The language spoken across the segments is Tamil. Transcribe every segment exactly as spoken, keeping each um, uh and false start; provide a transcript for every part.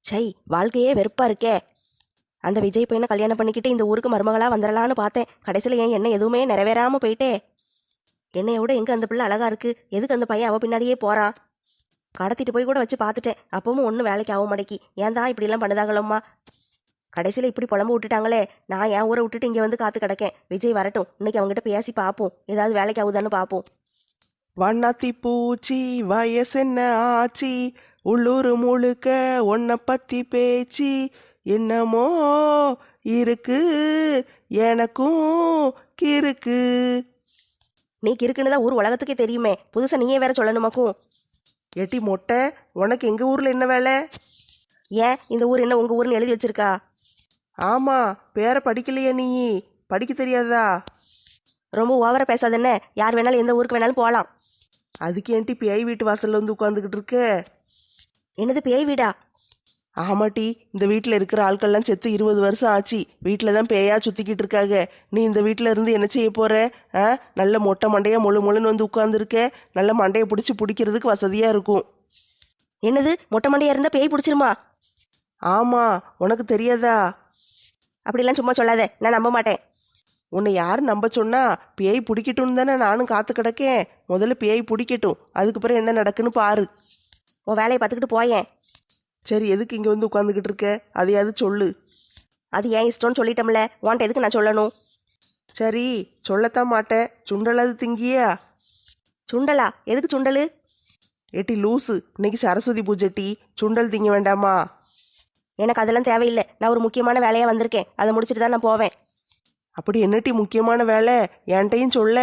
சை, வாழ்க்கையே வெறுப்பா இருக்கே. அந்த விஜய் பையனை கல்யாணம் பண்ணிக்கிட்டு இந்த ஊருக்கு மருமகளா வந்துடலான்னு பார்த்தேன். கடைசியில் ஏன் என்ன எதுவுமே நிறைவேறாம போயிட்டே. என்னைய விட எங்க அந்த பிள்ளை அழகா இருக்கு, எதுக்கு அந்த பையன் அவ பின்னாடியே போறான்? கடத்திட்டு போய் கூட வச்சு பார்த்துட்டேன், அப்பவும் ஒன்றும் வேலைக்கு ஆக மாட்டேக்கி. ஏன் தான் இப்படிலாம் பண்ணுதாங்களம்மா? கடைசியில் இப்படி புலம்பு விட்டுட்டாங்களே. நான் என் ஊரை விட்டுட்டு இங்கே வந்து காத்து கிடக்கேன். விஜய் வரட்டும், இன்னைக்கு அவங்ககிட்ட பேசி பார்ப்போம், ஏதாவது வேலைக்கு ஆகுதான்னு பார்ப்போம். வண்ணாத்தி பூச்சி வயசென்ன ஆச்சி, உள்ளூர் முழுக்க உன்னை பத்தி பேச்சு என்னமோ இருக்கு, எனக்கும் கிறுக்கு. நீ கிறுக்குன்னு தான் ஊர் உலகத்துக்கே தெரியுமே, புதுசா நீயே வேற சொல்லணுமாக்கும். எட்டி மொட்டை, உனக்கு எங்க ஊர்ல என்ன வேலை? ஏன் இந்த ஊர் என்ன உங்க ஊர்னு எழுதி வச்சிருக்கா? ஆமா, பேரை படிக்கலையா நீ? படிக்க தெரியாதா? ரொம்ப ஓவரா பேசாத என்ன. யார் வேணாலும் எந்த ஊருக்கு வேணாலும் போகலாம். அதுக்கு ஏன்டி பேய் வீட்டு வாசல்ல வந்து உட்காந்துக்கிட்டு இருக்க? என்னது பேய் வீடா? ஆமாட்டி, இந்த வீட்டில் இருக்கிற ஆட்கள்லாம் செத்து இருபது வருஷம் ஆச்சு. வீட்டில் தான் பேயா சுத்திக்கிட்டு இருக்காங்க. நீ இந்த வீட்டில் இருந்து என்ன செய்ய போற? ஆ, நல்ல மொட்டை மண்டையா மொழு மொழுன்னு வந்து உட்காந்துருக்க. நல்ல மண்டையை பிடிச்சி பிடிக்கிறதுக்கு வசதியா இருக்கும். என்னது மொட்டை மண்டையா இருந்தா பேய் பிடிச்சிருமா? ஆமா, உனக்கு தெரியாதா? அப்படிலாம் சும்மா சொல்லாத, நான் நம்ப மாட்டேன். உன்னை யார் நம்ப சொன்னா? பேய் பிடிக்கட்டும்னு தானே நானும் காத்து கிடக்கேன். முதல்ல பேய் பிடிக்கட்டும், அதுக்கு பிறகு என்ன நடக்குன்னு பாரு. உன் வேலையை பார்த்துக்கிட்டு போயேன். சரி, எதுக்கு இங்கே வந்து உட்காந்துக்கிட்டு இருக்க? அதையாவது சொல்லு. அது ஏன் இஷ்டம்னு சொல்லிட்டோம்ல, உன்ட்ட எதுக்கு நான் சொல்லணும்? சரி, சொல்லத்தான் மாட்டேன். சுண்டலாது திங்கியா? சுண்டலா? எதுக்கு சுண்டலு? ஏட்டி லூசு, இன்னைக்கு சரஸ்வதி பூஜைட்டி, சுண்டல் திங்க வேண்டாமா? எனக்கு அதெல்லாம் தேவையில்லை. நான் ஒரு முக்கியமான வேலையாக வந்திருக்கேன், அதை முடிச்சுட்டு தான் நான் போவேன். அப்படி என்னட்டி முக்கியமான வேலை? என்கிட்டையும் சொல்ல.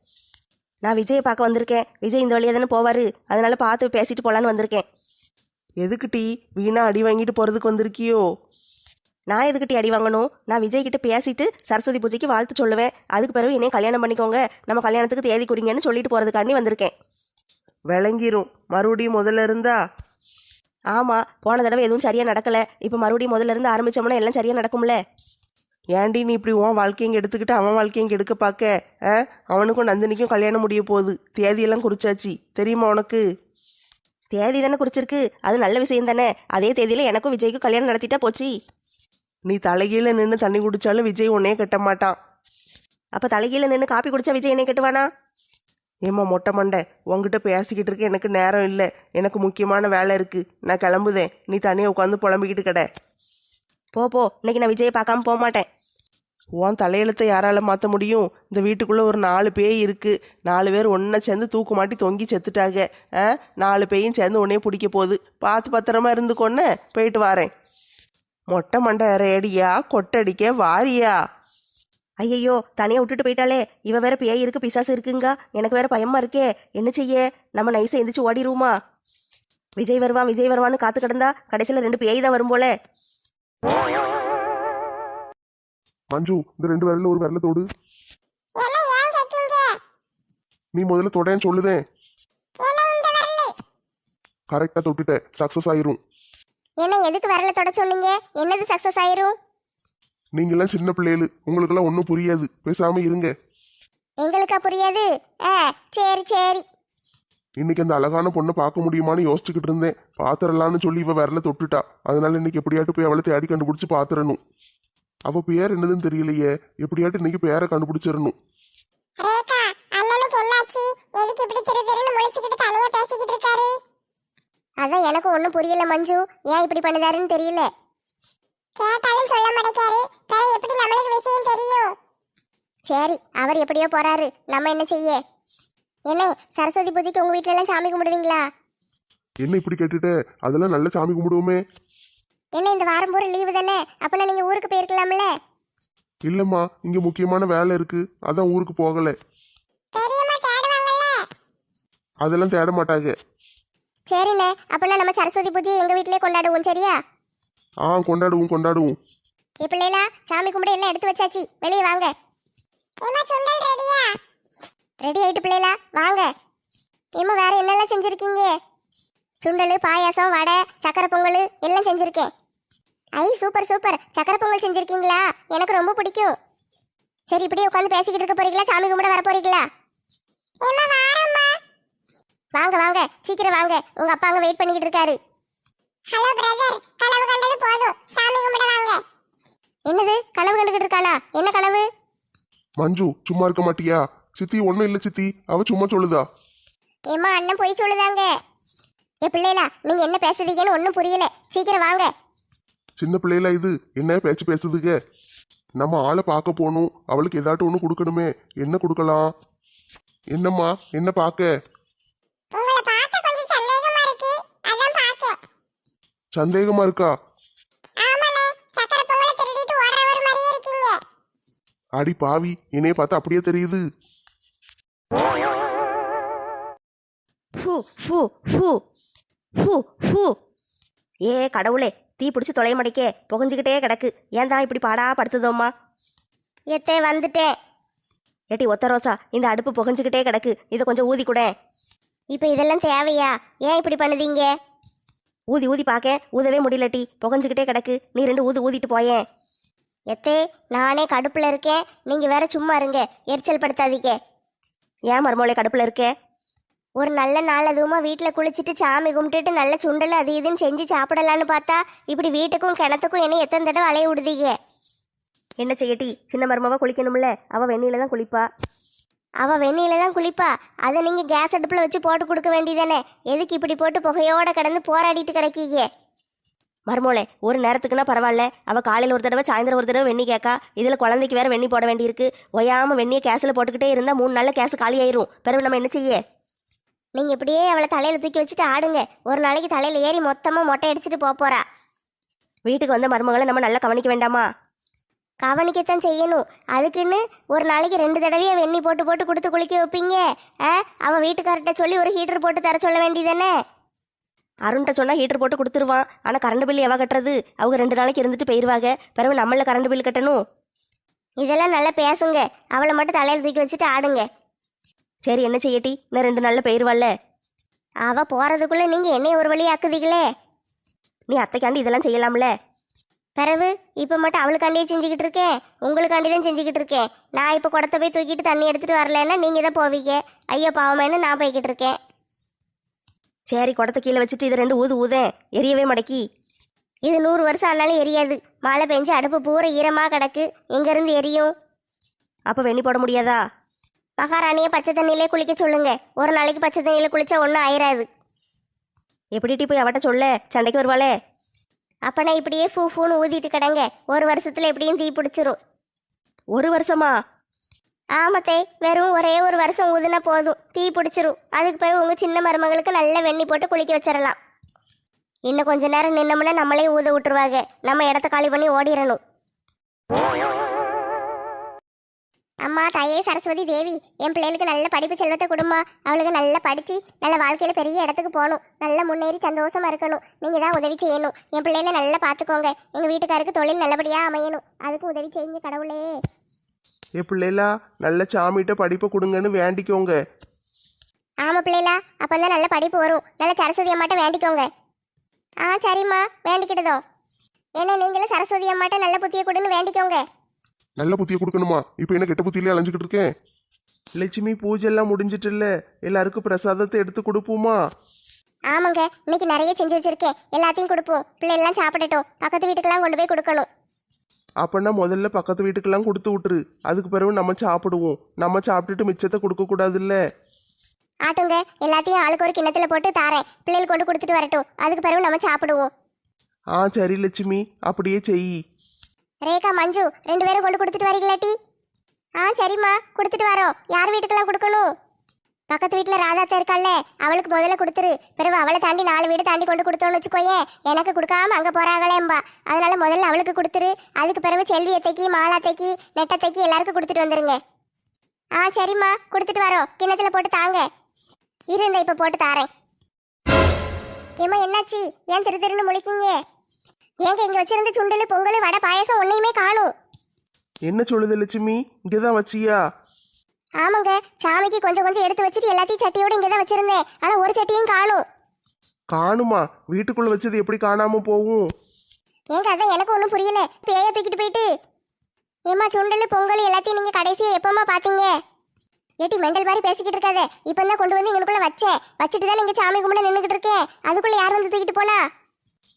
நான் விஜயை பார்க்க வந்திருக்கேன். விஜய் இந்த வழியாக தானே போவார், அதனால பார்த்து பேசிட்டு போகலான்னு வந்திருக்கேன். எதுக்குட்டி? வீணா அடி வாங்கிட்டு போகிறதுக்கு வந்திருக்கியோ? நான் எதுக்கிட்டி அடி வாங்கணும்? நான் விஜய் கிட்ட பேசிட்டு சரஸ்வதி பூஜைக்கு வாழ்த்து சொல்லுவேன். அதுக்கு பிறகு என்னையும் கல்யாணம் பண்ணிக்கோங்க, நம்ம கல்யாணத்துக்கு தேதி குறிங்கன்னு சொல்லிட்டு போகிறதுக்காண்டி வந்திருக்கேன். விளங்கிரும். மறுபடியும் முதல்ல இருந்தா? ஆமாம், போன தடவை எதுவும் சரியாக நடக்கலை. இப்போ மறுபடியும் முதல்ல இருந்து ஆரம்பித்தோம்னா எல்லாம் சரியாக நடக்கும்ல. ஏன்டி நீ இப்படி உன் வாழ்க்கையும் எடுத்துக்கிட்டு அவன் வாழ்க்கையும் எடுக்க பார்க்க? ஆ, அவனுக்கும் நந்தினிக்கும் கல்யாணம் முடிய போகுது. தேதியெல்லாம் குறிச்சாச்சு, தெரியுமா உனக்கு? தேதி தானே குறிச்சிருக்கு, அது நல்ல விஷயம் தானே. அதே தேதியில் எனக்கும் விஜய்க்கும் கல்யாணம் நடத்திட்டா போச்சு. நீ தலைகீழ நின்று தண்ணி குடிச்சாலும் விஜய் உன்னையே கட்ட மாட்டான். அப்போ தலைகீழ நின்று காப்பி குடிச்சா விஜய் என்னை கட்டுவானா? ஏம்மா மொட்டை மண்டை, உங்ககிட்ட பேசிக்கிட்டு இருக்க எனக்கு நேரம் இல்லை. எனக்கு முக்கியமான வேலை இருக்கு, நான் கிளம்புதேன். நீ தனியாக உட்காந்து புலம்பிக்கிட்டு கிட. போ போ, இன்னைக்கு நான் விஜயை பார்க்காம போக மாட்டேன். உன் தலையெழுத்தை யாரால மாற்ற முடியும்? இந்த வீட்டுக்குள்ளே ஒரு நாலு பேய் இருக்கு. நாலு பேர் ஒன்றா சேர்ந்து தூக்கு மாட்டி தொங்கி செத்துட்டாங்க. ஆ, நாலு பேயும் சேர்ந்து உன்னையே பிடிக்க போகுது. பார்த்து பத்திரமா இருந்துக்கொன்னு போயிட்டு வாரேன். மொட்டை மண்டை ரேடியா கொட்டடிக்க வாரியா? ஐயையோ, தனியாக விட்டுட்டு போயிட்டாலே. இவ வேற பேய் இருக்கு பிசாசு இருக்குங்க, எனக்கு வேற பயமா இருக்கே. என்ன செய்ய? நம்ம நைஸை எந்திரிச்சு ஓடிடுவோமா? விஜய் வருவான் விஜய் வருவான்னு காத்து கிடந்தா கடைசியில் ரெண்டு பேய் தான் வரும் போல. மஞ்சு, இந்த ரெண்டு விரல்ல ஒரு விரல தொடு. நீ முதல்ல தொடேன்னு சொல்லுதேன். கரெக்டா தொட்டுட்ட, சக்சஸ் ஆயிரும். என்ன எதுக்கு வரல தொட சொன்னீங்க? என்னது சக்சஸ் ஆயிரும்? நீங்க எல்லாம் சின்ன பிள்ளைகளு, உங்களுக்கு எல்லாம் ஒன்னும் புரியாது. பேசாம இருங்க. எங்களுக்கா புரியாது? ஆ, சரி சரி. இன்னைக்கு அந்த அழகான பொண்ணை பார்க்க முடியுமான்னு யோசிச்சுக்கிட்டு இருந்தேன். பாத்திரலான்னு சொல்லி இவ விரல தொட்டுட்டா. அதனால இன்னைக்கு எப்படியாட்டு போய் அவளை தேடி கண்டுபிடிச்சு பாத்துறணும். அவ பேர் என்னதுன்னு தெரியலையே, எப்படியாட்டு இன்னைக்கு பேரை கண்டுபிடிச்சிடணும். ரேகா, அண்ணனுக்கு என்னாச்சு? எதுக்கு இப்படி திரு திருன்னு முழிச்சுக்கிட்டு தனியா பேசிக்கிட்டு இருக்காரு? அதான் எனக்கு ஒண்ணும் புரியல மஞ்சு, ஏன் இப்படி பண்ணுதாருன்னு தெரியல. கேட்டாலும் சொல்ல மாட்டேக்காரு, பிறகு எப்படி நம்மளுக்கு விஷயம் தெரியும்? சரி, அவர் எப்படியோ போறாரு, நம்ம என்ன செய்ய? என்ன சரஸ்வதி பூஜைக்கு உங்க வீட்டுல எல்லாம் சாமி கும்பிடுவீங்களா? என்ன இப்படி கேட்டுட்ட? அதெல்லாம் நல்ல சாமி கும்பிடுவோமே. என்ன இந்த வாரம் பூரா லீவு தானே, அப்பனா நீங்க ஊருக்கு போயிருக்கலாம்ல? இல்லம்மா, இங்க முக்கியமான வேலை இருக்கு, அதான் ஊருக்கு போகல. பெரியம்மா தேடுவாங்கல்ல? அதெல்லாம் தேட மாட்டாங்க. சரிண்ணே, அப்பனா நம்ம சரஸ்வதி பூஜை எங்க வீட்டிலே கொண்டாடுவோம், சரியா? ஆ, கொண்டாடுவோம் கொண்டாடுவோம். ஏ பிள்ளைகளா, சாமி கும்பிட எல்லாம் எடுத்து வச்சாச்சு, வெளியே வாங்க. ரெடி ஆயிட்டு பிள்ளைகளா, வாங்க. ஏம்மா வேற என்னெல்லாம் செஞ்சிருக்கீங்க? சுண்டல், பாயாசம், வடை, சக்கரை பொங்கல் எல்லாம் செஞ்சிருக்கேன். ஐ சூப்பர் சூப்பர், சக்கரை பொங்கல் செஞ்சிருக்கீங்களா? எனக்கு ரொம்ப பிடிக்கும். சரி, இப்படியே உட்காந்து பேசிக்கிட்டு இருக்க போறீங்களா, சாமி கும்பிட வர போறீங்களா? வாங்க வாங்க, சீக்கிரம் வாங்க, உங்க அப்பா அங்க வெயிட் பண்ணிக்கிட்டு இருக்காரு. ஹலோ பிரதர், கனவு கண்டது போதும், சாமி கும்பிட வாங்க. என்னது கனவு கண்டுகிட்டு இருக்காளா? என்ன கனவு? மஞ்சு சும்மா இருக்க மாட்டியா? சித்தி ஒண்ணும் இல்ல சித்தி, அவ சும்மா சொல்லுதா. ஏம்மா அண்ணன் போய் சொல்லுதாங்க. ஏ பிள்ளைகளா, நீங்க என்ன பேசுறீங்கன்னு ஒன்றும் புரியல, சீக்கிரம் வாங்க. சின்ன பிள்ளைல இது என்ன பேச்சு பேசுதுங்க? நம்ம ஆளை பார்க்க போகணும், அவளுக்கு ஏதாட்டும் ஒன்று கொடுக்கணுமே. என்ன கொடுக்கலாம்? என்னம்மா என்ன பார்க்க? உங்களை பார்க்க கொஞ்சம் சந்தேகமா இருக்கு, அதான் பார்க்க. சந்தேகமா இருக்கா? ஆமாண்ணே, சக்கரை பொங்கலை திருடிட்டு ஓடுறவர் மாதிரியே இருக்கீங்க. அடி பாவி, என்னைய பார்த்தா அப்படியே தெரியுது. ஃபு ஃபு ஃபு ஃபு ஃபு ஏ கடவுளே, தீ பிடிச்சி தொலைய மடைக்கே புகஞ்சிக்கிட்டே கிடக்கு. ஏன் தான் இப்படி பாடா படுத்துதோம்மா? எத்தே வந்துட்டேன். ஏட்டி ஒத்த ரோசா, இந்த அடுப்பு புகஞ்சிக்கிட்டே கிடக்கு, இதை கொஞ்சம் ஊதி கூட. இப்போ இதெல்லாம் தேவையா? ஏன் இப்படி பண்ணுதீங்க? ஊதி ஊதி பார்க்க ஊதவே முடியலட்டி, புகஞ்சிக்கிட்டே கிடக்கு. நீ ரெண்டு ஊது ஊதிட்டு போயேன். எத்தே நானே கடுப்புல இருக்கேன், நீங்க வேற சும்மா இருங்க, எரிச்சல் படுத்தாதீங்க. ஏன் மருமோளை கடுப்பில் இருக்க? ஒரு நல்ல நாள் அதுவுமா வீட்டில் குளிச்சுட்டு சாமி கும்பிட்டுட்டு நல்ல சுண்டல் அது இதுன்னு செஞ்சு சாப்பிடலான்னு பார்த்தா இப்படி வீட்டுக்கும் கிணத்துக்கும் என்ன எத்தனை தடவை அலைய விடுதீங்க? என்ன செய்யட்டி, சின்ன மருமவா குளிக்கணும்ல, அவள் வெந்நீல தான் குளிப்பா. அவள் வெந்நீல தான் குளிப்பா, அதை நீங்கள் கேஸ் அடுப்பில் வச்சு போட்டு கொடுக்க வேண்டியதானே? எதுக்கு இப்படி போட்டு புகையோட கிடந்து போராடிட்டு கிடக்கீங்க? மருமோளே, ஒரு நேரத்துக்குன்னா பரவாயில்ல, அவள் காலையில் ஒரு தடவை சாயந்தரம் ஒரு தடவை வெண்ணி கேட்கா. இதில் குழந்தைக்கு வேற வெண்ணி போட வேண்டியிருக்கு. ஒயாமல் வெண்ணியை கேஸில் போட்டுக்கிட்டே இருந்தால் மூணு நாளில் கேஸ் காலி ஆயிரும். பிறகு நம்ம என்ன செய்ய? நீங்கள் இப்படியே அவளை தலையில் தூக்கி வச்சுட்டு ஆடுங்க, ஒரு நாளைக்கு தலையில் ஏறி மொத்தமாக மொட்டை அடிச்சுட்டு போக போறா. வீட்டுக்கு வந்த மருமகளை நம்ம நல்லா கவனிக்க வேண்டாமா? கவனிக்கத்தான் செய்யணும். அதுக்குன்னு ஒரு நாளைக்கு ரெண்டு தடவையே வெண்ணி போட்டு போட்டு கொடுத்து குளிக்க வைப்பீங்க? ஆ, அவள் வீட்டுக்கார்ட்ட சொல்லி ஒரு ஹீட்டர் போட்டு தர சொல்ல வேண்டியதானே? அருண்கிட்ட சொன்னால் ஹீட்டர் போட்டு கொடுத்துருவான். ஆனால் கரண்ட் பில் எவ கட்டுறது? அவங்க ரெண்டு நாளைக்கு இருந்துட்டு போயிடுவாங்க. பிறகு நம்மள கரண்ட் பில் கட்டணும். இதெல்லாம் நல்லா பேசுங்க, அவளை மட்டும் தலையில் தூக்கி வச்சுட்டு ஆடுங்க. சரி, என்ன செய்யட்டி, இன்னும் ரெண்டு நாளில் போயிடுவாள்ல. அவள் போகிறதுக்குள்ளே நீங்கள் என்னைய ஒரு வழி ஆக்குதீங்களே. நீ அத்தைக்காண்டி இதெல்லாம் செய்யலாம்ல. பிறகு இப்போ மட்டும் அவளுக்காண்டியே செஞ்சுக்கிட்டு இருக்கேன், உங்களுக்காண்டி தான் செஞ்சுக்கிட்டு இருக்கேன். நான் இப்போ குடத்தை போய் தூக்கிட்டு தண்ணி எடுத்துகிட்டு வரலன்னா நீங்கள் தான் போவீங்க. ஐயோ பாவமேன்னு நான் போய்கிட்டு இருக்கேன். சரி, குடத்தை கீழே வச்சுட்டு இது ரெண்டு ஊது ஊதேன், எரியவே மடக்கி. இது நூறு வருஷம் ஆனாலும் எரியாது. மழை பெஞ்சு அடுப்பு பூரா ஈரமாக கிடக்கு, எங்கேருந்து எரியும்? அப்போ வெண்ணி போட முடியாதா? மகாராணியை பச்சை தண்ணியிலே குளிக்க சொல்லுங்க. ஒரு நாளைக்கு பச்சை தண்ணியில் குளிச்சா ஒன்றும் ஆயிராது. எப்படிட்டி போய் அவட்ட சொல்ல, சண்டைக்கு வருவாளே. அப்போ நான் இப்படியே ஃபூ ஃபூன்னு ஊதிட்டு கிடங்க, ஒரு வருஷத்தில் எப்படியும் தீ பிடிச்சிரும். ஒரு வருஷமா? ஆமத்தே, வெறும் ஒரே ஒரு வருஷம் ஊதுனா போதும், தீ பிடிச்சிரும். அதுக்கு பிறகு உங்கள் சின்ன மருமகளுக்கு நல்ல வெண்ணி போட்டு குளிக்க வச்சிடலாம். இன்னும் கொஞ்ச நேரம் நின்னோம்னா நம்மளே ஊத விட்டுருவாங்க, நம்ம இடத்த காலி பண்ணி ஓடிடணும். அம்மா தாயே சரஸ்வதி தேவி, என் பிள்ளைகளுக்கு நல்ல படிப்பு செல்வத்தை கொடுமா. அவளுக்கு நல்லா படித்து நல்ல வாழ்க்கையில் பெரிய இடத்துக்கு போகணும், நல்லா முன்னேறி சந்தோஷமா இருக்கணும். நீங்கள் தான் உதவி செய்யணும். என் பிள்ளைகளை நல்லா பார்த்துக்கோங்க. எங்கள் வீட்டுக்காருக்கு தொழில் நல்லபடியாக அமையணும், அதுக்கு உதவி செய்யுங்க கடவுளே. ஏ பிள்ளைலா, நல்ல சாமிகிட்ட படிப்பை கொடுங்கன்னு வேண்டிக்கோங்க. ஆமாம் பிள்ளைகளா, அப்போ தான் நல்ல படிப்பு வரும். நல்ல சரஸ்வதி அம்மாட்ட வேண்டிக்கோங்க. ஆ சரிம்மா, வேண்டிக்கிட்டதோ. ஏன்னா நீங்களும் சரஸ்வதி அம்மாட்ட நல்ல புத்தியை கொடுன்னு வேண்டிக்கோங்க. நல்ல புத்தியை கொடுக்கணுமா? இப்போ என்ன கெட்ட புத்தியிலே அலைஞ்சிக்கிட்டு இருக்கேன்? லட்சுமி, பூஜெல்லாம் முடிஞ்சிட்டுல்ல, எல்லாருக்கும் பிரசாதத்தை எடுத்து கொடுப்போமா? ஆமாங்க, இன்னைக்கு நிறைய செஞ்சு வச்சிருக்கேன், எல்லாத்தையும் கொடுப்போம். பிள்ளைகள்லாம் சாப்பிடட்டும், பக்கத்து வீட்டுக்கெல்லாம் கொண்டு போய் கொடுக்கணும். அப்போனா முதல்ல பக்கத்து வீட்டுக்கெல்லாம் கொடுத்து விட்டுரு, அதுக்கு பிறகு நம்ம சாப்பிடுவோம். நம்ம சாப்பிட்டுட்டு மிச்சத்தை கொடுக்கக்கூடாதுல்ல. ஆட்டுங்க, எல்லாத்தையும் ஆளுக்கு ஒரு கிண்ணத்துல போட்டு தாரேன், பிள்ளைகள் கொண்டு கொடுத்துட்டு வரட்டும், அதுக்கு பிறகு நம்ம சாப்பிடுவோம். ஆ சரி லட்சுமி, அப்படியே செய். ரேகா, மஞ்சு ரெண்டு பேரும் கொண்டு கொடுத்துட்டு வரீங்களாட்டி? ஆ சரிம்மா, கொடுத்துட்டு வரோம். யார் வீட்டுக்கெல்லாம் கொடுக்கணும்? பக்கத்து வீட்டில் ராதாத்தா இருக்கால்ல, அவளுக்கு முதல்ல கொடுத்துரு. பிறகு அவளை தாண்டி நாலு வீடு தாண்டி கொண்டு கொடுத்தோன்னு வச்சுக்கோயே, எனக்கு கொடுக்காம அங்கே போகிறாங்களேம்பா. அதனால முதல்ல அவளுக்கு கொடுத்துரு. அதுக்கு பிறகு செல்வி அத்தைக்கு, மாலாத்தைக்கு, நெட்டத்தைக்கு எல்லாருக்கும் கொடுத்துட்டு வந்துருங்க. ஆ சரிம்மா, கொடுத்துட்டு வரோம். கிண்ணத்துல போட்டு தாங்க. இருந்த இப்போ போட்டு தாரேன். ஏம்மா என்னாச்சு? ஏன் திரு திருன்னு முழிக்கீங்க? ஏங்க இங்கே வச்சிருந்த சுண்டல், பொங்கல், வடை, பாயசம் ஒன்றையுமே காணும். என்ன சொல்லுது லட்சுமி, இங்கே தான் வச்சியா? ஆமாங்க, சாமிக்கு கொஞ்சம் கொஞ்சம் எடுத்து வச்சுட்டு எல்லாத்தையும் சட்டியோட இங்கே தான் வச்சிருந்தேன், ஆனால் ஒரு சட்டியும் காணும். காணுமா? வீட்டுக்குள்ள வச்சது எப்படி காணாம போகும்? ஏங்க அதான் எனக்கு ஒன்றும் புரியல. பேய தூக்கிட்டு போயிட்டு ஏம்மா சுண்டல், பொங்கல் எல்லாத்தையும் நீங்கள் கடைசியாக எப்போம்மா பார்த்தீங்க? ஏட்டி மெண்டல் மாதிரி பேசிக்கிட்டு இருக்காத. இப்போ தான் கொண்டு வந்து இங்கனுக்குள்ளே வச்சேன், வச்சுட்டு தான் நீங்கள் சாமி கும்பிட நின்றுக்கிட்டு இருக்கேன். அதுக்குள்ளே யார் வந்து தூக்கிட்டு போனா?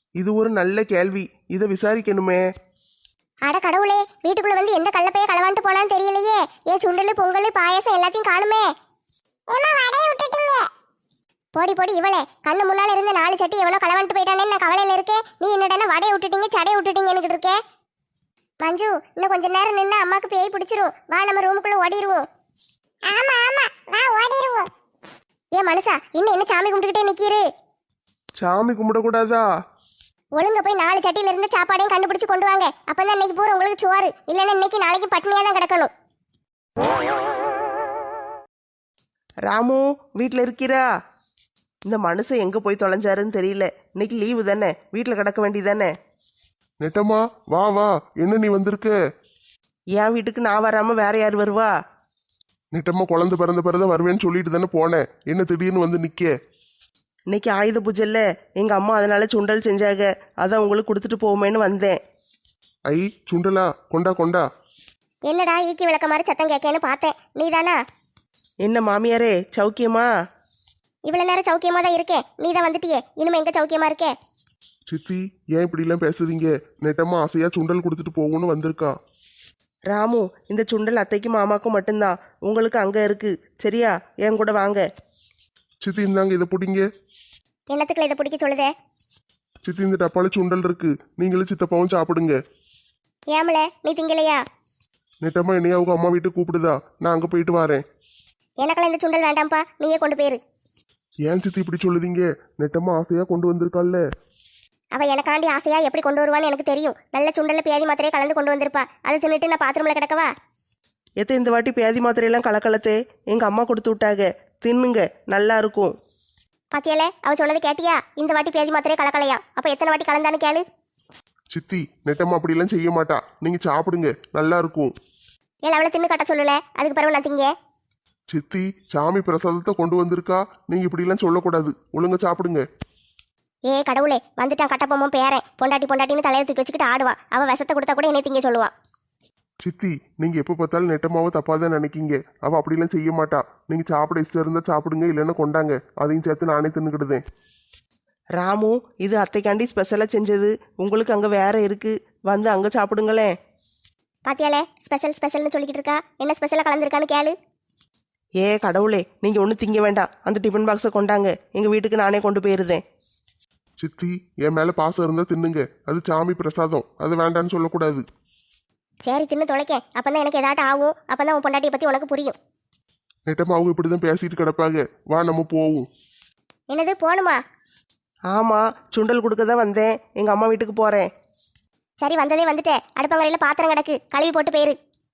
இது ஒரு நல்ல கேள்வி, இதை விசாரிக்கணுமே. அட கடவுளே, வீட்டுக்குள்ள வந்து எந்த கள்ளப்பைய களவாண்டு போனான்னு தெரியலையே. ஏன் சுண்டல் பொங்கல் பாயசம் எல்லாத்தையும் காணுமே. போடி போடி இவளே, கண்ணு முன்னால இருந்த நாலு சட்டி எவனோ களவாண்டு போயிட்டானேன்னு நான் கவலையில இருக்கேன். நீ என்னடா வடையை விட்டுட்டீங்க சடையை விட்டுட்டீங்க எனக்கு இருக்கே. மஞ்சு, இன்னும் கொஞ்ச நேரம் நின்று அம்மாக்கு பேய் பிடிச்சிரும். வா நம்ம ரூமுக்குள்ள ஓடிடுவோம். ஆமா ஆமா வா ஓடிடுவோம். ஏன் மனுஷா, இன்னும் என்ன சாமி கும்பிட்டுக்கிட்டே நிக்கிரு? சாமி கும்பிடக்கூடாதா? ஒழுங்க போய் நாலு சட்டியில இருந்து சாப்பாடையும் கண்டுபிடிச்சு கொண்டு வாங்க. அப்பதான் இன்னைக்கு பூரா உங்களுக்கு சோறு, இல்லைன்னா இன்னைக்கு நாளைக்கு பட்னியா தான் கிடக்கணும். ராமு வீட்டில் இருக்கிறா? இந்த மனுஷன் எங்கே போய் தொலைஞ்சாருன்னு தெரியல. இன்னைக்கு லீவு தானே, வீட்டில் கிடக்க வேண்டியதானே. நெட்டம்மா வா வா, என்ன நீ வந்திருக்க? என் வீட்டுக்கு நான் வராமல் வேற யார் வருவா? நெட்டம்மா குழந்தை பிறந்த பிறந்த வருவேன்னு சொல்லிட்டு தானே போனேன், என்ன திடீர்னு வந்து நிக்க? இன்னைக்கு ஆயுத பூஜை இல்லை, எங்கள் அம்மா அதனால சுண்டல் செஞ்சாங்க, அதான் உங்களுக்கு கொடுத்துட்டு போவோமேன்னு வந்தேன். ஐ சுண்டலா, கொண்டா கொண்டா. என்னடா ஈக்கி விளக்க மாதிரி சத்தம் கேட்கேன்னு பார்த்தேன், நீதானா? என்ன மாமியாரே, சௌக்கியமா? இவ்வளவு நேரம் சௌக்கியமா தான் இருக்கேன், நீ தான் வந்துட்டியே, இனிமே எங்க சௌக்கியமா இருக்கே? சித்தி ஏன் இப்படிலாம் பேசுறீங்க? நெட்டம்மா ஆசையா சுண்டல் கொடுத்துட்டு போகணும்னு வந்திருக்கா. ராமு, இந்த சுண்டல் அத்தைக்கும் மாமாக்கும் மட்டும்தான், உங்களுக்கு அங்கே இருக்கு, சரியா? என் கூட வாங்க. சித்தி இந்தாங்க இதை பிடிங்க. என்னத்துக்குள்ள இதை பிடிக்க சொல்லுதே? சித்தி இந்த டப்பால சுண்டல் இருக்கு, நீங்களும் சித்தப்பாவும் சாப்பிடுங்க. ஏமல நீ திங்கலையா? நெட்டம்மா என்னைய அவங்க அம்மா வீட்டுக்கு கூப்பிடுதா, நான் அங்கே போயிட்டு வரேன். எனக்கெல்லாம் இந்த சுண்டல் வேண்டாம்ப்பா, நீயே கொண்டு போயிரு. ஏன் சித்தி இப்படி சொல்லுதீங்க? நெட்டம்மா ஆசையா கொண்டு வந்திருக்காள்ல. அவ எனக்காண்டி ஆசையா எப்படி கொண்டு வருவான்னு எனக்கு தெரியும். நல்ல சுண்டல்ல பேதி மாத்திரையே கலந்து கொண்டு வந்திருப்பா. அதை தின்னுட்டு நான் பாத்ரூம்ல கிடக்கவா? எத்த இந்த வாட்டி பேதி மாத்திரையெல்லாம் கலக்கலத்தே, எங்கள் அம்மா கொடுத்து விட்டாங்க, தின்னுங்க, நல்லா இருக்கும். பாத்தியால அவ சொன்னது கேட்டியா? இந்த வாட்டி பேதி மாத்திரையே கலக்கலையா? அப்ப எத்தனை வாட்டி கலந்தான்னு கேளு. சித்தி நெட்டம்மா அப்படிலாம் செய்ய மாட்டா, நீங்க சாப்பிடுங்க, நல்லா இருக்கும். ஏன் அவளை தின்னு கட்ட சொல்லல, அதுக்கு பிறகு நான் திங்க. சித்தி சாமி பிரசாதத்தை கொண்டு வந்திருக்கா, நீங்க இப்படிலாம் சொல்லக்கூடாது, ஒழுங்கா சாப்பிடுங்க. ஏ கடவுளே, வந்துட்டான் கட்டப்பொம்மும் பேரன். பொண்டாட்டி பொண்டாட்டின்னு தலையை தூக்கி வச்சுக்கிட்டு ஆடுவா. அவ விஷத்தை கொடுத்தா கூட என்னை திங்க சொல்லுவா. சித்தி நீங்க எப்ப பார்த்தாலும் நெட்டம்மாவை தப்பா தான் நினைக்கீங்க, அவ அப்படிலாம் செய்ய மாட்டா. நீங்க சாப்பிட இஷ்டம் இருந்தா சாப்பிடுங்க, இல்லைன்னா கொண்டாங்க, அதையும் சேர்த்து நானே தின்னுக்கிடுதேன். ராமு, இது அத்தைக்காண்டி ஸ்பெஷலாக செஞ்சது, உங்களுக்கு அங்கே வேற இருக்கு, வந்து அங்கே சாப்பிடுங்களேன். பாத்தியாலே ஸ்பெஷல் ஸ்பெஷல்னு சொல்லிக்கிட்டு இருக்கா. என்ன ஸ்பெஷலாக கலந்துருக்கான்னு கேளு. ஏ கடவுளே, நீங்கள் ஒன்றும் திங்க வேண்டாம், அந்த டிஃபன் பாக்ஸை கொண்டாங்க, எங்கள் வீட்டுக்கு நானே கொண்டு போயிருந்தேன். சித்தி என் மேல பாசம் இருந்தா தின்னுங்க, அது சாமி பிரசாதம், அது வேண்டான்னு சொல்லக்கூடாது. சரி தின்னு தொலைக்க, அப்பதான் எனக்கு ஏதாட்டும் ஆகும். அப்பதான் உன் பொண்டாட்டியை பத்தி உனக்கு புரியும். நெட்டம்மா அவங்க இப்படிதான் பேசிட்டு கிடப்பாங்க, வா நம்ம போவோம். என்னது போகணுமா? ஆமாம், சுண்டல் கொடுக்க தான் வந்தேன், எங்கள் அம்மா வீட்டுக்கு போகிறேன். சரி வந்ததே வந்துட்டேன். அடுப்பங்கரையில் பாத்திரம் கிடக்கு, கழுவி போட்டு போயிரு.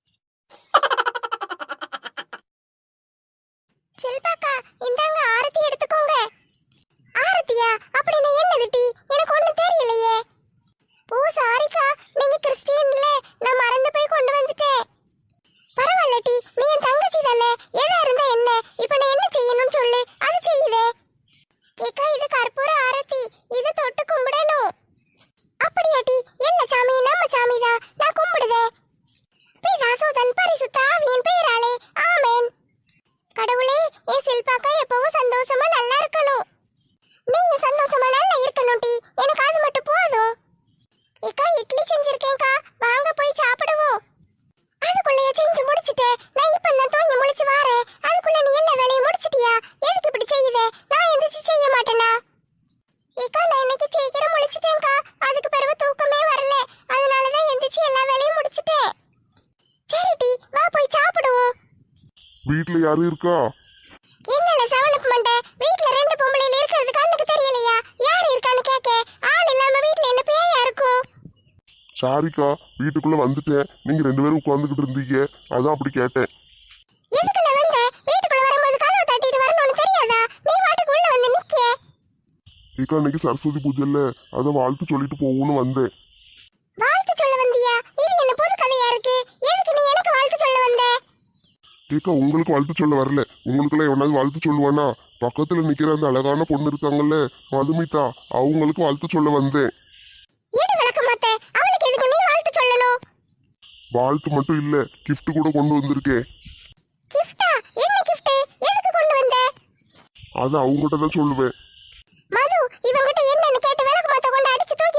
செல்பாக்கா இந்தாங்க ஆரத்தி எடுத்துக்கோங்க. ஆரத்தியா? அப்படின்னு என்னது டீ? எனக்கு ஒண்ணு தெரியலையே. ஓ சாரிக்கா, நீங்க கிறிஸ்டியன்ல, நான் மறந்து போய் கொண்டு வந்துட்டேன். பரவாயில்ல டி, நீ என் தங்கச்சி தானே, எதா இருந்தா என்ன? இப்ப நான் என்ன செய்யணும்னு சொல்லு, அது செய்யுதே. ஏக்கா இது கற்பூர ஆரத்தி, இது தொட்டு கும்பிடணும். அப்படியா டி? என்ன சாமி? நம்ம சாமி தான், நான் கும்பிடுதே. பிதாசுதன் பரிசுத்த ஆவியின் பெயராலே ஆமென். கடவுளே, என் சில்பாக்கா எப்பவும் சந்தோஷமா நல்லா இருக்கணும். நீங்க சந்தோஷமா நல்லா இருக்கணும் டி, எனக்கு அது மட்டும் போதும். ஏக்கா இட்லி செஞ்சிருக்கேன்க்கா, வாங்க போய் சாப்பிடுவோம். அதுக்குள்ளேயே செஞ்சு முடிச்சிட்டேன், நான் இப்ப நான் தூங்கி முழிச்சு வாரேன். அதுக்குள்ள நீ எல்லா வேலையும் முடிச்சிட்டியா? எதுக்கு இப்படி செய்யுதே? நான் எந்திரிச்சு செய்ய மாட்டேனா? ஏக்கா நான் இன்னைக்கு சீக்கிரம் முழிச்சிட்டேன்க்கா, அதுக்கு பிறகு தூக்கமே வரல, அதனாலதான் எந்திரிச்சு எல்லா வேலையும் முடிச்சிட்டேன். சரி டி, வா போய் சாப்பிடுவோம். வீட்டுல யாரும் இருக்கா? என்னல சவனுக்கு மண்டை, வீட்ல ரெண்டு பொம்பளையில இருக்கிறது கண்ணுக்கு தெரியலையா? யார் இருக்கான்னு கேட்க, ஆள் இல்லாம வீட்ல என்ன பேயா இருக்கும்? சாரிக்கா, வீட்டுக்குள்ள வந்துட்டேன், நீங்க ரெண்டு பேரும் உட்கார்ந்துகிட்டு இருந்தீங்க, அதான் அப்படி கேட்டேன். எதுக்குள்ள வந்த? வீட்டுக்குள்ள வரும்போது கதவை தட்டிட்டு வரணும்னு தெரியாதா? நீ வாட்டுக்கு உள்ள வந்து நிக்க. ஏக்கா இன்னைக்கு சரஸ்வதி பூஜை இல்ல, அதான் வாழ்த்து சொல்லிட்டு போகணும்னு வந்தேன். வாழ்த்து சொல்ல வந்தியா? இது என்ன புது கதையா இருக்கு? எதுக்கு நீ எனக்கு வாழ்த்து சொல்ல வந்த? ஏக்கா உங்களுக்கு வாழ்த்து சொல்ல வரல, உங்களுக்குலாம் எவனாவது வாழ்த்து சொல்லுவானா? பக்கத்துல நிக்கிற அந்த அழகான பொண்ணு இருக்காங்கல்ல மதுமிதா, அவங்களுக்கு வாழ்த்து சொல்ல வந்தேன். ஏடு விளக்க மாட்டே, அவளுக்கு எதுக்கு நீ வாழ்த்து சொல்லணும்? வாழ்த்து மட்டும் இல்ல, gift கூட கொண்டு வந்திருக்கேன். கிஃப்டா? என்ன கிஃப்ட்? எதுக்கு கொண்டு வந்த? அதை அவங்ககிட்ட தான் சொல்லுவேன். மது, இவங்கிட்ட என்னன்னு கேட்டு விளக்க மாத்த கொண்டு அடிச்சு தூக்கி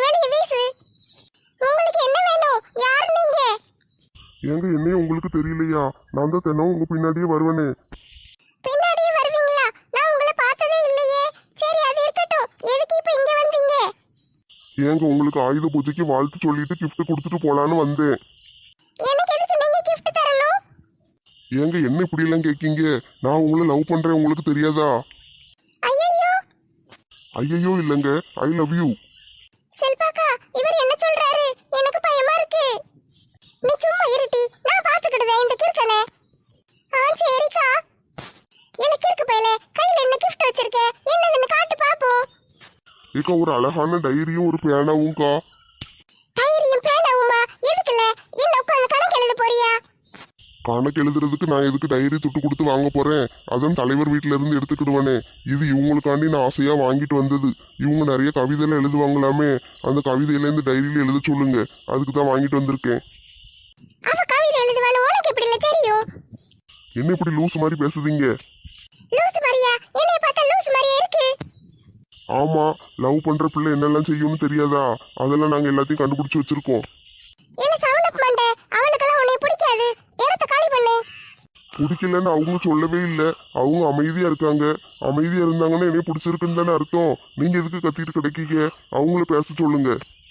ஏங்க என்னையும் உங்களுக்கு தெரியலையா? நான் தான் தினம் உங்க பின்னாடியே வருவேனே. பின்னாடியே வருவீங்களா? நான் உங்களை பார்த்ததே இல்லையே. சரி அது இருக்கட்டும். எதுக்கு இப்ப இங்க வந்தீங்க? ஏங்க உங்களுக்கு ஆயுத பூஜைக்கு வாழ்த்து சொல்லிட்டு கிஃப்ட் கொடுத்துட்டு போலான்னு வந்தேன். எனக்கு எதுக்கு நீங்க gift தரணும்? ஏங்க என்ன இப்படி எல்லாம் கேட்கீங்க? நான் உங்களை லவ் பண்றேன், உங்களுக்கு தெரியாதா? ஐயையோ, ஐயோ இல்லைங்க, ஐ லவ் யூ. செல்பாக்கா, இவர் என்ன சொல்றாரு? எனக்கு பயமா இருக்கு. நீ சும்மா இருட்டி, நான் பாத்துக்கிடுதேன் இந்த கிறுக்கனை. ஆ சரிக்கா. எனக்கு இருக்கு பையல, கையில என்ன கிஃப்ட் வச்சிருக்க? என்னதுன்னு காட்டு பாப்போம். ஏக்கா ஒரு அழகான டைரியும் ஒரு பேனாவும்க்கா. டைரியும் பேனாவுமா? எதுக்குல? என்ன உட்கார்ந்து கணக்கு எழுத போறியா? கணக்கு எழுதுறதுக்கு நான் எதுக்கு டைரி துட்டு கொடுத்து வாங்க போறேன்? அதான் தலைவர் வீட்டுல இருந்து எடுத்துக்கிடுவானே. இது இவங்களுக்காண்டி நான் ஆசையா வாங்கிட்டு வந்தது. இவங்க நிறைய கவிதையில எழுதுவாங்களாமே, அந்த கவிதையில இருந்து டைரியில எழுத சொல்லுங்க, அதுக்கு தான் வாங்கிட்டு வந்திருக்கேன். அவ கவிதை எழுதுவான்னு உனக்கு எப்படில தெரியும்? என்ன இப்படி லூஸ் மாதிரி பேசுதீங்க? லூஸ் மாதிரியா? என்னைய பார்த்தா லூஸ் மாதிரியா இருக்கு? ஆமா, லவ் பண்ற பிள்ளை என்னெல்லாம் செய்யும்னு தெரியாதா? அதெல்லாம் நாங்க எல்லாத்தையும் கண்டுபிடிச்சு வச்சிருக்கோம். இல்ல சவுனப் மண்டை, அவனுக்கெல்லாம் உன்னை பிடிக்காது. இடத்த காலி பண்ணு. பிடிக்கலன்னு அவங்க சொல்லவே இல்லை. அவங்க அமைதியா இருக்காங்க. அமைதியா இருந்தாங்கன்னா என்னைய பிடிச்சிருக்குன்னு தானே அர்த்தம். நீங்க எதுக்கு கத்திட்டு கிடைக்கீங்க? அவங்கள பேச சொல்லுங்க.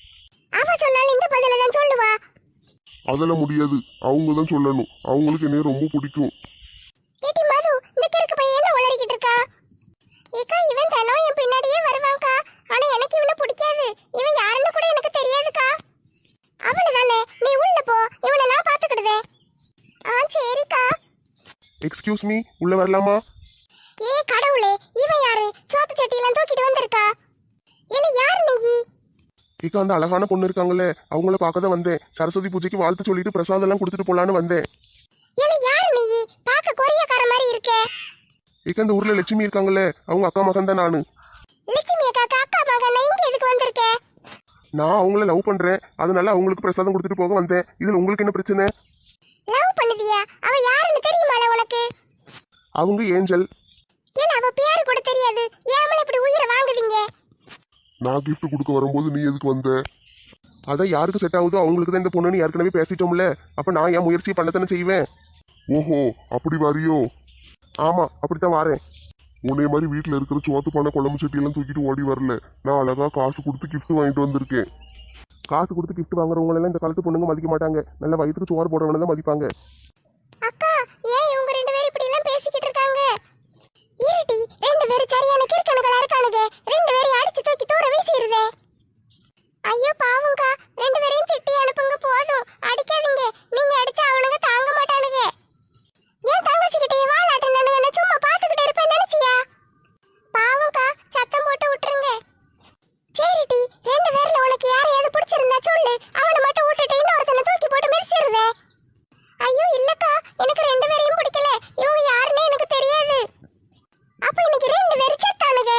அவ சொன்னாலும் இந்த பதில தான் சொல்லுவா. அதெல்லாம் முடியாது, அவங்க தான் சொல்லணும். அவங்களுக்கு என்னைய ரொம்ப பிடிக்கும். ஏட்டி மது, இந்த கிறுக்கு பையன் என்ன உளறிக்கிட்டு இருக்கா? ஏக்கா இவன் தானோ என் பின்னாடியே வருவான்க்கா. ஆனா எனக்கு இவனை பிடிக்காது. இவன் யாருன்னு கூட எனக்கு தெரியாதுக்கா. அவனுதானே, நீ உள்ள போ, இவனை நான் பாத்துக்கிடுதேன். ஆ சரிக்கா. எக்ஸ்கியூஸ் மீ, உள்ள வரலாமா? ஏ கடவுளே, இவன் யாரு? சோத்து சட்டியெல்லாம் தூக்கிட்டு வந்திருக்கா. இல்ல யாரு நீ? இக்கா அந்த அழகான பொண்ணு இருக்காங்களே, அவங்கள பார்க்க தான் வந்தேன். சரஸ்வதி பூஜைக்கு வாழ்த்து சொல்லிட்டு பிரசாதம் எல்லாம் கொடுத்துட்டு போலான்னு வந்தேன். இல்ல யாரு நீ? பாக்க கொரியக்கார மாதிரி இருக்கே. இக்கா இந்த ஊர்ல லட்சுமி இருக்காங்களே, அவங்க அக்கா மகன் தான் நானு. லட்சுமி அக்கா அக்கா மகன், இங்க எதுக்கு வந்திருக்க? நான் அவங்கள லவ் பண்றேன், அதனால அவங்களுக்கு பிரசாதம் கொடுத்துட்டு போக வந்தேன். இதுல உங்களுக்கு என்ன பிரச்சனை? லவ் பண்ணுதியா? அவ யாருன்னு தெரியுமால உனக்கு? அவங்க ஏஞ்சல். இல்ல அவ பேரு கூட தெரியாது. ஏமல இப்படி உயிரை வாங்குதீங்க? நான் கிஃப்ட் கொடுக்க வரும்போது நீ எதுக்கு வந்த? அதான் யாருக்கு செட் ஆகுதோ அவங்களுக்கு தான் இந்த பொண்ணுன்னு ஏற்கனவே பேசிட்டோம்ல. அப்ப நான் என் முயற்சியை பண்ணத்தானே செய்வேன். ஓஹோ, அப்படி வரியோ? ஆமா, அப்படித்தான் வாரேன். உன்னை மாதிரி வீட்டுல இருக்கிற சோத்து பண்ண குழம்பு சட்டியெல்லாம் தூக்கிட்டு ஓடி வரல. நான் அழகா காசு கொடுத்து கிஃப்ட் வாங்கிட்டு வந்திருக்கேன். காசு கொடுத்து கிஃப்ட் வாங்குறவங்க எல்லாம் இந்த காலத்து பொண்ணுங்க மதிக்க மாட்டாங்க. நல்ல வயிற்றுக்கு சோறு போடுறவங்க தான் மதிப்பாங்க. அக்கா, ஏன் இவங்க ரெண்டு பேரும் இப்படி எல்லாம் பேசிக்கிட்டு இருக்காங்க? இருட்டி, ரெண்டு பேரும் சரியான கிறுக்கனுகளா இருக்கானுங்க. ரெண்டு பேரும் அடிச்சு தூக்கி தூர வீசிடுதே. ஐயோ பாவம்க்கா, ரெண்டு பேரையும் திட்டி அனுப்புங்க போதும். அடிக்காதீங்க, நீங்க அடிச்சா அவனுங்க தாங்க மாட்டானுங்க. ஏன் தங்கச்சிக்கிட்டே வாலாட்டுனானுங்க? நான் சும்மா பாத்துக்கிட்டே இருப்பேன் நினைச்சியா? பாவம்க்கா, சத்தம் போட்டு விட்டுருங்க. சரிட்டி, ரெண்டு பேர்ல உனக்கு யாரையாவது பிடிச்சிருந்தா சொல்லு, அவனை மட்டும் விட்டுட்டு இன்னொருத்தனை தூக்கி போட்டு மிதிச்சிருதே. ஐயோ இல்லக்கா, எனக்கு ரெண்டு பேரையும் பிடிக்கல. இவங்க யாருன்னே எனக்கு தெரியாது. அப்ப இன்னைக்கு ரெண்டு பேரும் செத்தானுங்க.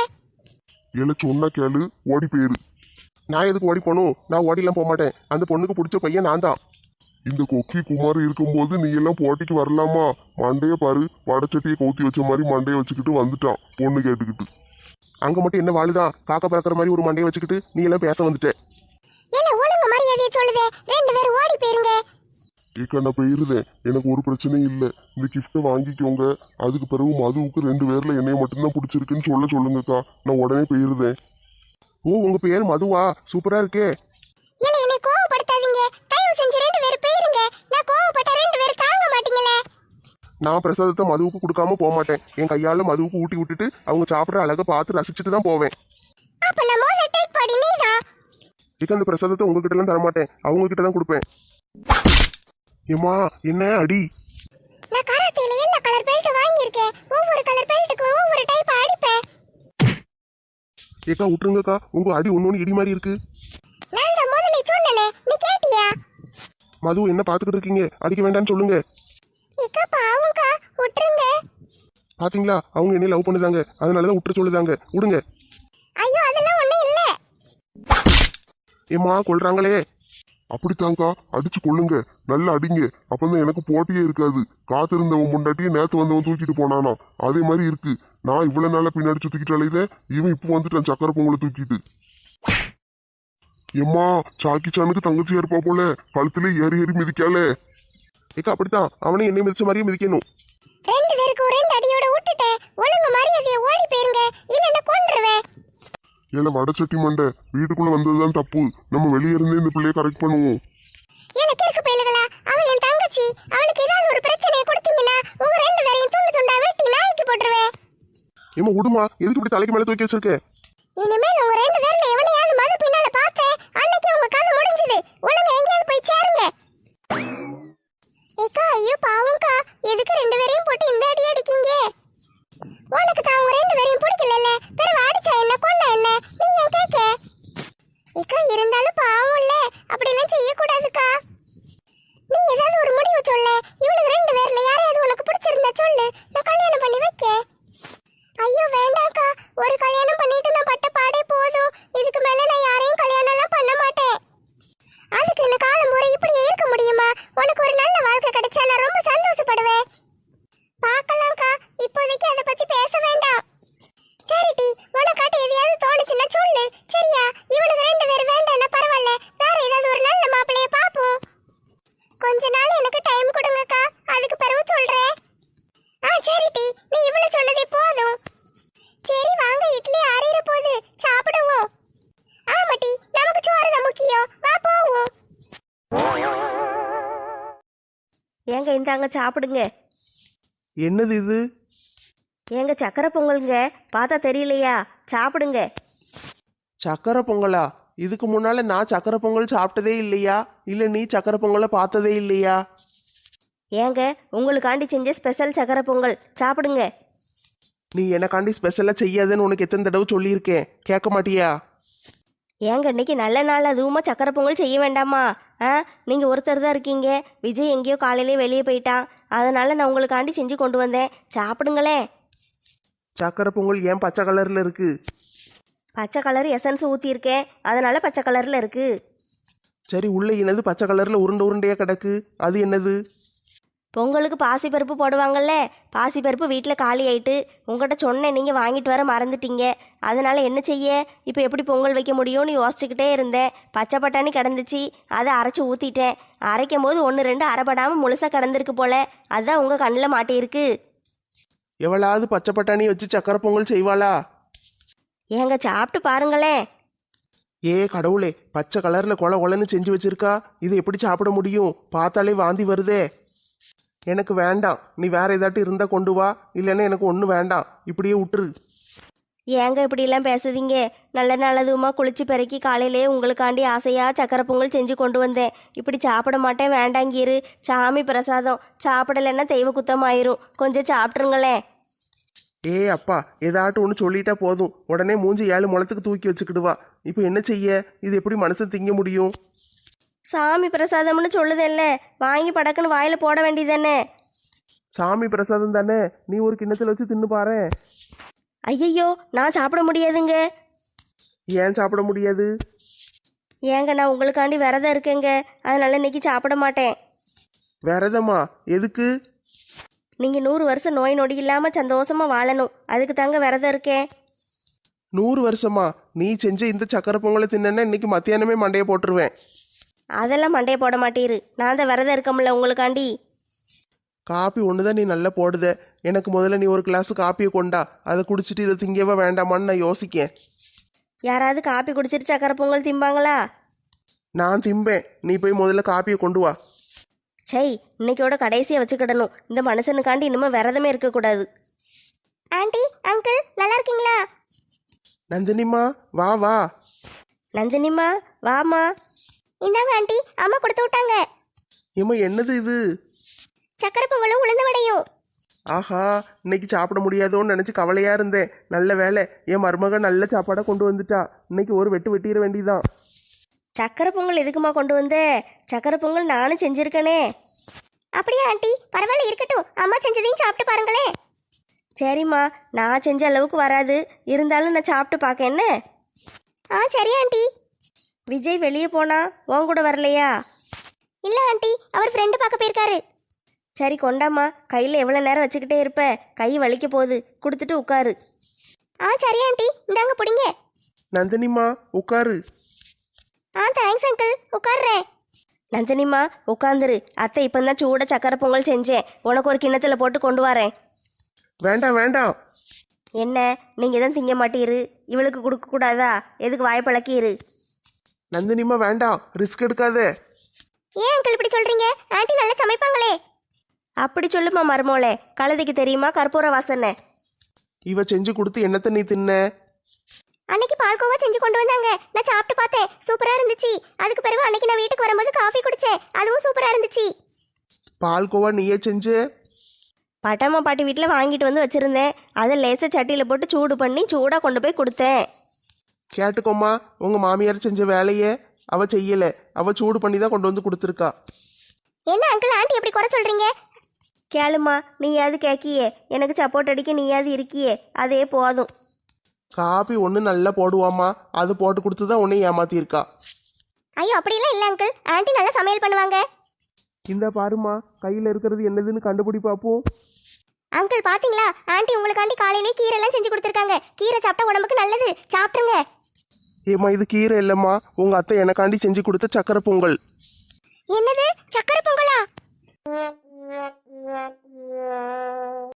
ஏல சொன்னா கேளு, ஓடி போயிரு. நான் எதுக்கு ஓடி போகணும்? நான் ஓடிலாம் போக மாட்டேன். அந்த பொண்ணுக்கு பிடிச்ச பையன் நான் தான். இந்த கொக்கி குமார் இருக்கும்போது நீ எல்லாம் போட்டிக்கு வரலாமா? மண்டைய பாரு, வடச்சட்டியை கவுத்தி வச்ச மாதிரி மண்டையை வச்சுக்கிட்டு வந்துட்டான் பொண்ணு கேட்டுக்கிட்டு. அங்க மட்டும் என்ன வாழுதான்? காக்க பறக்கிற மாதிரி ஒரு மண்டையை வச்சுக்கிட்டு நீ எல்லாம் பேச வந்துட்ட. இல்ல ஒழுங்கு மரியாதையை சொல்லுதே. ரெண்டு பேரும் ஓடி போயிருங்க. ஏக்கா நான் போயிருந்தேன், எனக்கு ஒரு பிரச்சனையும் இல்லை. இந்த கிஃப்ட்டை வாங்கிக்கோங்க. அதுக்கு பிறகு மதுவுக்கு ரெண்டு பேர்ல என்னைய மட்டும்தான் பிடிச்சிருக்குன்னு சொல்ல சொல்லுங்கக்கா. நான் உடனே போயிருந்தேன். ஓ, உங்க பேர் மதுவா? சூப்பரா இருக்கே. இல்ல என்னை கோவப்படுத்தாதீங்க. தயவு செஞ்சு ரெண்டு பேரும் போயிருங்க. நான் கோவப்பட்ட ரெண்டு பேரும் தாங்க மாட்டீங்களே. நான் பிரசாதத்தை மதுவுக்கு கொடுக்காம போக மாட்டேன். என் கையால மதுவுக்கு ஊட்டி விட்டுட்டு அவங்க சாப்பிட்ற அழகை பார்த்து ரசிச்சுட்டு தான் போவேன். அப்ப நான் மோத டேட் பாடி நீதான். இக்க அந்த பிரசாதத்தை உங்ககிட்ட எல்லாம் தரமாட்டேன், அவங்க கிட்ட தான் கொடுப்பேன். ஏமா என்ன அடி? நான் கராத்தேல எல்லா கலர் பெல்ட் வாங்கியிருக்கேன். ஒவ்வொரு கலர் பெல்ட்டுக்கும் ஒவ்வொரு டைப் அடிப்பேன். ஏக்கா விட்டுருங்கக்கா, உங்க அடி ஒன்னொன்னு இடி மாதிரி இருக்கு. நான் தான் முதல்ல சொன்னனே, நீ கேட்டியா? மது என்ன பாத்துக்கிட்டு இருக்கீங்க? அடிக்க வேண்டாம்னு சொல்லுங்க. இக்கா பாவம்க்கா, விட்டுருங்க. பாத்தீங்களா, அவங்க என்ன லவ் பண்ணுதாங்க, அதனாலதான் விட்டுற சொல்லுதாங்க. விடுங்க. ஐயோ அதெல்லாம் ஒண்ணும் இல்ல. ஏமா கொல்றாங்களே. அப்படித்தாங்க்கா, அடிச்சு கொள்ளுங்க, நல்லா அடிங்க. அப்பதான் எனக்கு போட்டியே இருக்காது. காத்திருந்தவன் முண்டாட்டியே நேத்து வந்தவன் தூக்கிட்டு போனானா, அதே மாதிரி இருக்கு. நான் இவ்வளவு நாளா பின்னாடி சுத்திக்கிட்டு அலையுதேன், இவன் இப்போ வந்துட்டான் சக்கரை பொங்கலை தூக்கிட்டு. எம்மா, சாக்கி சானுக்கு தங்கச்சியா இருப்பா போல, கழுத்துல ஏறி ஏறி மிதிக்காலே. ஏக்கா அப்படித்தான் அவனை என்னை மிதிச்ச மாதிரியே மிதிக்கணும். ரெண்டு பேருக்கும் ரெண்டு அடியோட விட்டுட்டேன். ஒழுங்கு மரியாதையை ஓடி போயிருங்க, இல்லைன்னா கொன்றுவேன். ஏல வடச்சட்டி மண்டை, வீட்டுக்குள்ள வந்ததுதான் தப்பு. நம்ம வெளியே இருந்தே இந்த பிள்ளைய கரெக்ட் பண்ணுவோம். ஏல கிறுக்கு பயலுகளா, அவன் என் தங்கச்சி. அவனுக்கு ஏதாவது ஒரு பிரச்சனையை கொடுத்தீங்கன்னா உங்க ரெண்டு பேரையும் துண்டு துண்டா வெட்டி நாய்க்கு போட்டுருவேன். ஏமா விடுமா, எதுக்கு இப்படி தலைக்கு மேல தூக்கி வச்சிருக்க? இனிமேல் உங்க ரெண்டு பேர்ல எவனையாவது மது பின்னால பார்த்தேன், அன்னைக்கு உங்க கதை முடிஞ்சது. ஒழுங்கா எங்கேயாவது போய் சேருங்க. ஏக்கா, ஐயோ பாவம்க்கா, எதுக்கு ரெண்டு பேரையும் போட்டு இந்த அடி அடிக்கீங்க? உனக்கு தான் உங்க ரெண்டு பேரையும் பிடிக்கல, பிறகு அடிச்சா என்ன கொண்டா என்ன, நீ ஏன் கேட்க? ஏக்கா, இருந்தாலும் பாவம் இல்ல, அப்படிலாம் செய்யக்கூடாதுக்கா. நீ ஏதாவது ஒரு முடிவு சொல்ல. இவனுக்கு ரெண்டு பேர்ல யாரையாவது உனக்கு பிடிச்சிருந்தா சொல்லு, நான் கல்யாணம் பண்ணி வைக்க. ஐயோ வேண்டாம்க்கா, ஒரு கல்யாணம் பண்ணிட்டு நான் பட்ட பாடே போதும். இதுக்கு மேல நான் யாரையும் கல்யாணம் எல்லாம் பண்ண மாட்டேன். அதுக்கு இந்த காலம் முறை இப்படியே இருக்க முடியுமா? உனக்கு ஒரு நல்ல வாழ்க்கை கிடைச்சா நான் ரொம்ப சந்தோஷப்படுவேன். பார்க்கலாம்க்கா, இப்போதைக்கு அதை பத்தி பேச வேண்டாம். சரிடி, உனக்காட்ட எதையாவது தோணுச்சுன்னா சொல்லு, சரியா? இவனுக்கு ரெண்டு பேரும் வேண்டாம்னா பரவாயில்ல, வேற ஏதாவது ஒரு நல்ல மாப்பிள்ளைய பாப்போம். கொஞ்ச நாள் எனக்கு டைம் கொடுங்கக்கா, அதுக்கு பிறகு சொல்றேன். ஆ சரிடி, நீ இவ்வளவு சொன்னதே போதும். சரி வாங்க, இட்லி ஆறிற போகுது, சாப்பிடுவோம். ஆமாட்டி, நமக்கு சோறு தான் முக்கியம், வா போவோம். ஏங்க இந்தாங்க சாப்பிடுங்க. என்னது இது? ஏங்க சக்கரை பொங்கலுங்க, பார்த்தா தெரியலையா? சாப்பிடுங்க. சக்கரை பொங்கலா? இதுக்கு முன்னால நான் சக்கரை பொங்கல் சாப்பிட்டதே இல்லையா? இல்லை நீ சக்கரை பொங்கலை பார்த்ததே இல்லையா? ஏங்க உங்களுக்காண்டி செஞ்ச ஸ்பெஷல் சக்கரை பொங்கல், சாப்பிடுங்க. நீ எனக்காண்டி ஸ்பெஷலாக செய்யாதுன்னு உனக்கு எத்தனை தடவை சொல்லியிருக்கேன், கேட்க மாட்டியா? ஏங்க இன்னைக்கு நல்ல நாள், அதுவுமா சக்கரை பொங்கல் செய்ய வேண்டாமா? ஆ நீங்கள் ஒருத்தர் தான் இருக்கீங்க. விஜய் எங்கேயோ காலையிலே வெளியே போயிட்டான், அதனால நான் உங்களுக்காண்டி செஞ்சு கொண்டு வந்தேன், சாப்பிடுங்களேன். சக்கரை பொங்கல் ஏன் பச்சை கலரில் இருக்கு? பச்சை கலர் எசன்ஸ் ஊற்றியிருக்கேன், அதனால பச்சை கலரில் இருக்கு. சரி, உள்ள என்னது பச்சை கலரில் உருண்டை உருண்டையாக கிடக்கு, அது என்னது? பொங்கலுக்கு பாசிப்பருப்பு போடுவாங்கல்ல, பாசிப்பருப்பு வீட்டில் காலி ஆயிட்டு உங்கள்கிட்ட சொன்னேன், நீங்கள் வாங்கிட்டு வர மறந்துட்டீங்க. அதனால என்ன செய்ய, இப்போ எப்படி பொங்கல் வைக்க முடியும்னு யோசிச்சுக்கிட்டே இருந்தேன். பச்சை பட்டாணி கிடந்துச்சு, அதை அரைச்சி ஊற்றிட்டேன். அரைக்கும் போது ஒன்று ரெண்டு அரைப்படாமல் முழுசாக கிடந்திருக்கு போல, அதுதான் உங்கள் கண்ணில் மாட்டியிருக்கு. எவளாவது பச்சை பட்டாணி வச்சு சக்கரை பொங்கல் செய்வாளா? ஏங்க சாப்பிட்டு பாருங்களேன். ஏ கடவுளே, பச்சை கலரில் கொலை கொலைன்னு செஞ்சு வச்சிருக்கா, இது எப்படி சாப்பிட முடியும்? பார்த்தாலே வாந்தி வருதே. எனக்கு வேண்டாம், நீ வேற ஏதாட்டு இருந்தா கொண்டு வா, இல்லைன்னா எனக்கு ஒன்றும் வேண்டாம், இப்படியே விட்டுரு. ஏங்க இப்படிலாம் பேசுதீங்க? நல்ல நல்லதுமா குளிச்சு பிறக்கி காலையிலே உங்களுக்காண்டி ஆசையாக சக்கரை பொங்கல் செஞ்சு கொண்டு வந்தேன். இப்படி சாப்பிட மாட்டேன் வேண்டாங்கிரு, சாமி பிரசாதம், சாப்பிடலைன்னா தெய்வ குத்தம் ஆயிரும், கொஞ்சம் சாப்பிட்ருங்களேன். ஏ அப்பா, ஏதாட்டும் ஒன்று சொல்லிட்டா போதும், உடனே மூஞ்சி ஏழு முளத்துக்கு தூக்கி வச்சுக்கிடுவா. இப்போ என்ன செய்ய, இது எப்படி மனுஷன் திங்க முடியும்? சாமி பிரசாதம்னு சொல்லுதல்ல, வாங்கி படக்குன்னு வாயில் போட வேண்டியதானே. சாமி பிரசாதம் தானே, நீ ஒரு கிண்ணத்தில் வச்சு தின்னு பாரு. ஐயையோ, நான் சாப்பிட முடியாதுங்க. ஏன் சாப்பிட முடியாது? ஏங்க நான் உங்களுக்காண்டி விரதம் இருக்கேங்க, அதனால இன்னைக்கு சாப்பிட மாட்டேன். விரதமா? எதுக்கு? நீங்கள் நூறு வருஷம் நோய் நொடி இல்லாமல் சந்தோஷமாக வாழணும், அதுக்கு தாங்க விரதம் இருக்கேன். நூறு வருஷமா? நீ செஞ்ச இந்த சக்கரை பொங்கலை தின்னா இன்னைக்கு மத்தியானமே மண்டையை போட்டுருவேன். அதெல்லாம் மண்டையை போட மாட்டீரு, நான் தான் விரதம் இருக்கமுல்ல உங்களுக்காண்டி. காப்பி ஒன்று தான் நீ நல்லா போடுத, எனக்கு முதல்ல நீ ஒரு கிளாஸ் காப்பியை கொண்டா, அதை குடிச்சிட்டு இதை திங்கவா வேண்டாமான்னு நான் யோசிக்கேன். யாராவது காப்பி குடிச்சிட்டு சக்கரை பொங்கல் திம்பாங்களா? நான் திம்பேன், நீ போய் முதல்ல காப்பியை கொண்டு வா. சை, இன்னைக்கோட கடைசியாக வச்சுக்கிடணும், இந்த மனுஷனுக்காண்டி இன்னும் விரதமே இருக்கக்கூடாது. ஆண்டி, அங்கிள், நல்லா இருக்கீங்களா? நந்தினிமா, வா வா. நந்தினிமா வாமா. இந்தாங்க ஆண்டி, அம்மா கொடுத்து விட்டாங்க. ஏம்மா என்னது இது? சக்கரை பொங்கலும் உளுந்த வடையும். ஆஹா, இன்னைக்கு சாப்பிட முடியாதோன்னு நினச்சி கவலையாக இருந்தேன். நல்ல வேலை, என் மருமக நல்ல சாப்பாடாக கொண்டு வந்துட்டா. இன்னைக்கு ஒரு வெட்டு வெட்டிட வேண்டியதான். சக்கரை பொங்கல் எதுக்குமா கொண்டு வந்த? சக்கரை பொங்கல் நானும் செஞ்சுருக்கேனே. அப்படியே ஆண்டி, பரவாயில்ல இருக்கட்டும், அம்மா செஞ்சதையும் சாப்பிட்டு பாருங்களேன். சரிம்மா, நான் செஞ்ச அளவுக்கு வராது, இருந்தாலும் நான் சாப்பிட்டு பார்க்க என்ன. ஆ சரி ஆண்டி. விஜய் வெளியே போனா உன் கூட வரலையா? இல்லை ஆண்டி, அவர் ஃப்ரெண்டு பார்க்க போயிருக்காரு. சரி கொண்டாம்மா, கையில் எவ்வளோ நேரம் வச்சுக்கிட்டே இருப்ப, கை வலிக்க போகுது, கொடுத்துட்டு உட்காரு. ஆ சரி ஆண்டி, இந்தாங்க பிடிங்க. நந்தினிமா உட்காரு. ஆ தேங்க்ஸ் அங்கிள், உட்கார்றேன். நந்தினிமா உட்காந்துரு. அத்தை இப்போ தான் சூட சக்கரை பொங்கல் செஞ்சேன், உனக்கு ஒரு கிண்ணத்தில் போட்டு கொண்டு வரேன். வேண்டாம் வேண்டாம். என்ன நீங்கள் தான் திங்க மாட்டீரு, இவளுக்கு கொடுக்கக்கூடாதா? எதுக்கு வாய்ப்பழக்கிரு? நந்தினிமா வேண்டாம், ரிஸ்க் எடுக்காத. ஏன் அங்கிள் இப்படி சொல்றீங்க? ஆண்டி நல்லா சமைப்பாங்களே. அப்படி சொல்லுமா மருமோளே, கழுதைக்கு தெரியுமா கற்பூர வாசனை? இவ செஞ்சு கொடுத்து என்னத்த நீ தின்ன? அன்னைக்கு பால்கோவா செஞ்சு கொண்டு வந்தாங்க, நான் சாப்பிட்டு பார்த்தேன், சூப்பரா இருந்துச்சு. அதுக்கு பிறகு அன்னைக்கு நான் வீட்டுக்கு வரும்போது காஃபி குடிச்சேன், அதுவும் சூப்பரா இருந்துச்சு. பால்கோவா நீயே செஞ்சு? பட்டம்மா பாட்டி வீட்டில் வாங்கிட்டு வந்து வச்சுருந்தேன், அதை லேசாக சட்டியில் போட்டு சூடு பண்ணி சூடாக கொண்டு போய் கொடுத்தேன். கேட்டுக்கோமா, உங்க மாமியார் செஞ்ச வேலையை அவ செய்யல, அவ சூடு பண்ணி தான் கொண்டு வந்து கொடுத்துருக்கா. என்ன அங்கிள் ஆண்டி எப்படி குறை சொல்றீங்க? கேளுமா, நீயாவது கேட்கியே, எனக்கு சப்போர்ட் அடிக்க நீயாவது இருக்கியே, அதே போதும். காபி ஒன்று நல்லா போடுவாமா, அது போட்டு கொடுத்து தான் உன்னை ஏமாத்திருக்கா. ஐயோ அப்படிலாம் இல்லை அங்கிள், ஆண்டி நல்லா சமையல் பண்ணுவாங்க. இந்த பாருமா, கையில் இருக்கிறது என்னதுன்னு கண்டுபிடி பார்ப்போம். அங்கிள் பாத்தீங்களா, ஆண்டி உங்களுக்காண்டி காலையிலே கீரை எல்லாம் செஞ்சு கொடுத்துருக்காங்க. கீரை சாப்பிட்டா உடம்புக்கு நல்லது, சாப்பிட்டுருங்க. ஏம்மா இது கீரை இல்லைம்மா, உங்க அத்தை எனக்காண்டி செஞ்சு கொடுத்த சக்கரை பொங்கல். என்னது, சக்கரை பொங்கலா?